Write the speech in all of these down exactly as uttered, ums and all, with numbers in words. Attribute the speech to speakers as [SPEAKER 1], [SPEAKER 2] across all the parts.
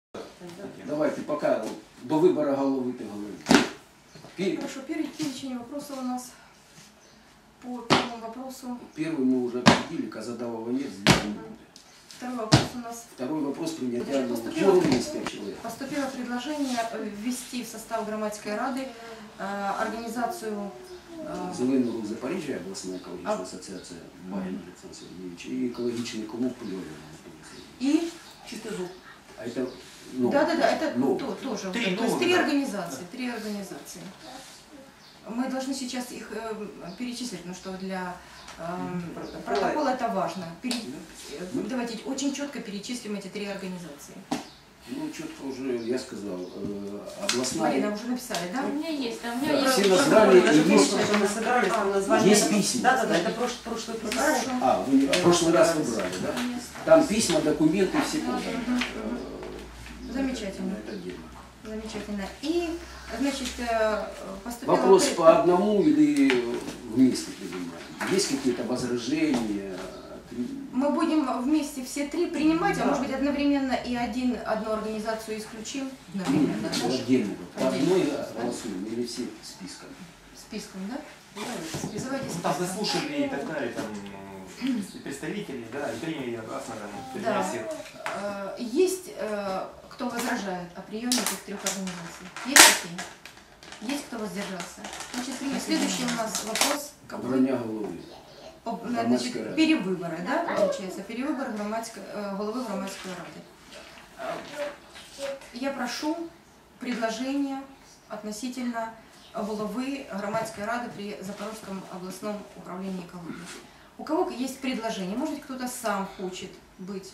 [SPEAKER 1] Давайте пока до выбора головы ты говоришь.
[SPEAKER 2] Хорошо, перечень вопросов у нас по первому вопросу.
[SPEAKER 1] Первый мы уже обсудили, Казадавова нет, здесь не будет.
[SPEAKER 2] Второй вопрос у нас.
[SPEAKER 1] Второй вопрос принятия
[SPEAKER 2] Поступило,
[SPEAKER 1] человек.
[SPEAKER 2] поступило предложение ввести в состав Громадской Рады э, организацию э,
[SPEAKER 1] Зеленый рух Запоріжжя, областная экологическая ассоциация, Багин Александр Сергеевич, и экологичный клуб Лёвин.
[SPEAKER 2] И Чистый зуб.
[SPEAKER 1] А это, ну,
[SPEAKER 2] да, да, да, это
[SPEAKER 1] ну,
[SPEAKER 2] то, тоже.
[SPEAKER 3] Три,
[SPEAKER 2] то есть
[SPEAKER 3] ну,
[SPEAKER 2] три
[SPEAKER 3] да.
[SPEAKER 2] организации, три организации. Мы должны сейчас их э, перечислить, потому что для э, протокола это важно. Пере... Давайте очень четко перечислим эти три организации.
[SPEAKER 1] Ну, четко уже, я сказал, э, областная...
[SPEAKER 2] Марина, уже написали, да?
[SPEAKER 4] У меня есть, а у меня
[SPEAKER 1] Да,
[SPEAKER 4] есть.
[SPEAKER 1] все названия
[SPEAKER 5] Даже
[SPEAKER 1] и есть...
[SPEAKER 5] прошлое, мы собирались, там название.
[SPEAKER 1] Есть письма.
[SPEAKER 5] Да, да, да, это прошлый, прошлый протокол.
[SPEAKER 2] Хорошо.
[SPEAKER 1] А, вы в прошлый раз выбрали, да? Там письма, документы, все подали.
[SPEAKER 2] Замечательно.
[SPEAKER 1] Это отдельно.
[SPEAKER 2] Замечательно. И, значит, поступило...
[SPEAKER 1] Вопрос по одному или вместе принимаем? Есть какие-то возражения?
[SPEAKER 2] Мы будем вместе все три принимать, а может быть одновременно и один, одну организацию исключим? Одновременно,
[SPEAKER 1] Нет,
[SPEAKER 2] да?
[SPEAKER 1] отдельно. По
[SPEAKER 2] Отдельно.
[SPEAKER 1] одной голосуем или все списком?
[SPEAKER 2] Списком, да? Давайте, давайте
[SPEAKER 3] Ну, там
[SPEAKER 2] списком.
[SPEAKER 3] заслушали и так далее, там и представители, да, и приняли единогласно, там,
[SPEAKER 2] Да.
[SPEAKER 3] всех.
[SPEAKER 2] Э, Есть, э, кто возражает о приеме этих трех организаций? Есть такие? Есть кто воздержался? Значит, при- следующий у нас вопрос. Какой?
[SPEAKER 1] Броня головы.
[SPEAKER 2] По-
[SPEAKER 1] Громадской
[SPEAKER 2] Значит,
[SPEAKER 1] рады.
[SPEAKER 2] перевыборы, да, получается? Перевыбор громадской, э, головы Громадской Рады. Э, Я прошу предложение относительно головы Громадской Рады при Запорожском областном управлении экологии. У кого есть предложение? Может быть, кто-то сам хочет быть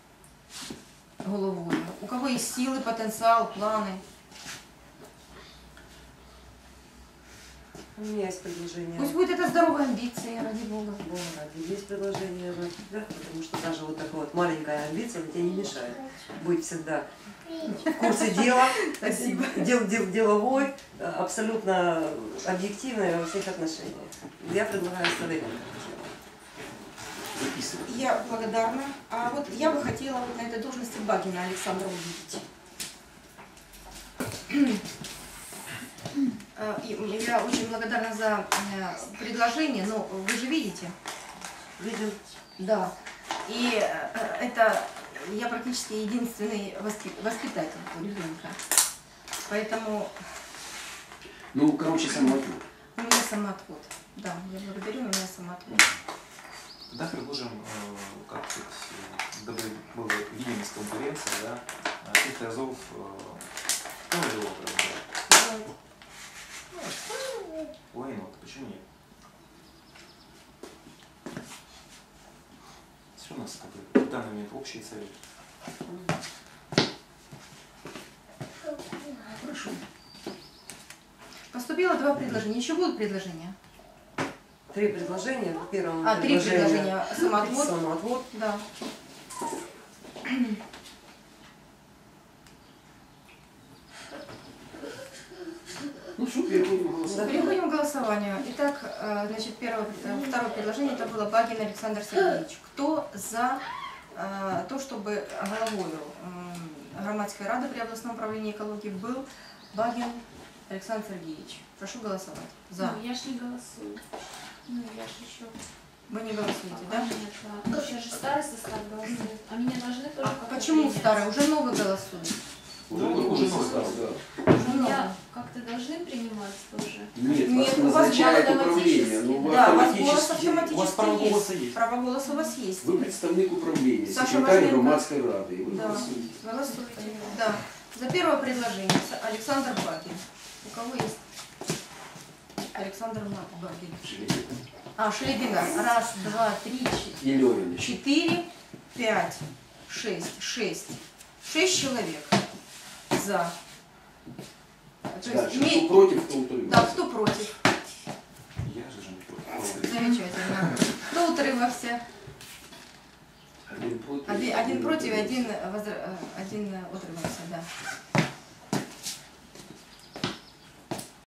[SPEAKER 2] головой? У кого есть силы, потенциал, планы?
[SPEAKER 5] У меня есть предложение.
[SPEAKER 2] Пусть будет это здоровая амбиция, ради Бога.
[SPEAKER 5] Бога ради. Есть предложение, да, потому что даже вот такая вот маленькая амбиция тебе не мешает быть всегда в курсе дела,
[SPEAKER 2] Спасибо.
[SPEAKER 5] дел, дел, деловой, абсолютно объективной во всех отношениях. Я предлагаю оставить.
[SPEAKER 1] Записывай.
[SPEAKER 2] Я благодарна. А вот я бы хотела вот на этой должности Багина Александра увидеть. Э, и Я очень благодарна за э, предложение, но вы же видите.
[SPEAKER 5] Видим.
[SPEAKER 2] Да. И э, это я практически единственный воспи- воспитатель ребенка. Поэтому
[SPEAKER 1] Ну, короче, самоотвод.
[SPEAKER 2] у меня самоотвод. Да, я благодарю, у меня самоотвод.
[SPEAKER 3] Тогда предложим, э, как сказать, э, дабы была видимость конкуренции, да, э, тех разов, э, ну, его, да. Ой, ну, почему нет? Все у нас, как бы, в данный момент общий совет.
[SPEAKER 1] Хорошо.
[SPEAKER 2] Поступило два предложения. Еще будут предложения?
[SPEAKER 5] Три предложения. В первом
[SPEAKER 2] А, три предложения. Самоотвод.
[SPEAKER 5] Самоотвод.
[SPEAKER 2] Да.
[SPEAKER 1] Ну что, переходим к голосованию.
[SPEAKER 2] Переходим к голосованию. Итак, э, значит, первое, э, второе предложение это было Багин Александр Сергеевич. Кто за э, то, чтобы головой э, Громадской Рады при областном управлении экологии был Багин Александр Сергеевич? Прошу голосовать. За.
[SPEAKER 4] Ну, я ж не голосую. Ну, я ж еще.
[SPEAKER 2] Вы не голосуете,
[SPEAKER 4] Да?
[SPEAKER 2] да?
[SPEAKER 4] Нет, да. Ну, сейчас же старый состав голосует. А меня должны тоже
[SPEAKER 2] А
[SPEAKER 4] как-то
[SPEAKER 2] почему
[SPEAKER 4] принять.
[SPEAKER 2] старый? Уже новый голосует.
[SPEAKER 1] Уже,
[SPEAKER 3] Ну,
[SPEAKER 1] уже
[SPEAKER 3] уже
[SPEAKER 1] состав,
[SPEAKER 3] состав.
[SPEAKER 1] да.
[SPEAKER 2] Уже новый.
[SPEAKER 4] Меня как-то должны принимать тоже.
[SPEAKER 1] Нет,
[SPEAKER 2] Нет,
[SPEAKER 1] вас
[SPEAKER 2] у вас
[SPEAKER 1] назначает
[SPEAKER 4] автоматически.
[SPEAKER 1] управление. Ну, вы
[SPEAKER 2] Да, у вас голос
[SPEAKER 1] автоматически...
[SPEAKER 2] автоматически
[SPEAKER 3] у вас право
[SPEAKER 2] есть.
[SPEAKER 3] голоса есть.
[SPEAKER 2] Право голоса у вас есть.
[SPEAKER 1] Вы представник управления,
[SPEAKER 2] Саша
[SPEAKER 1] секретарь
[SPEAKER 2] Важненко.
[SPEAKER 1] Громадской Рады. И вы
[SPEAKER 2] Да.
[SPEAKER 1] голосуете.
[SPEAKER 2] Голосуйте. Да. За первое предложение С- Александр Багин. У кого есть? Александр Багин. А, Шелебина. Раз, два, три,
[SPEAKER 1] И Лёвин.
[SPEAKER 2] четыре, пять, шесть. Шесть. Шесть человек за. То
[SPEAKER 1] Да,
[SPEAKER 2] есть,
[SPEAKER 1] что
[SPEAKER 2] име-
[SPEAKER 1] против, кто утримался.
[SPEAKER 2] Да, кто против?
[SPEAKER 3] Я же же не против.
[SPEAKER 2] Замечательно. Кто утримався?
[SPEAKER 1] Один против.
[SPEAKER 2] Один, один против, один, возра- один утримався, да.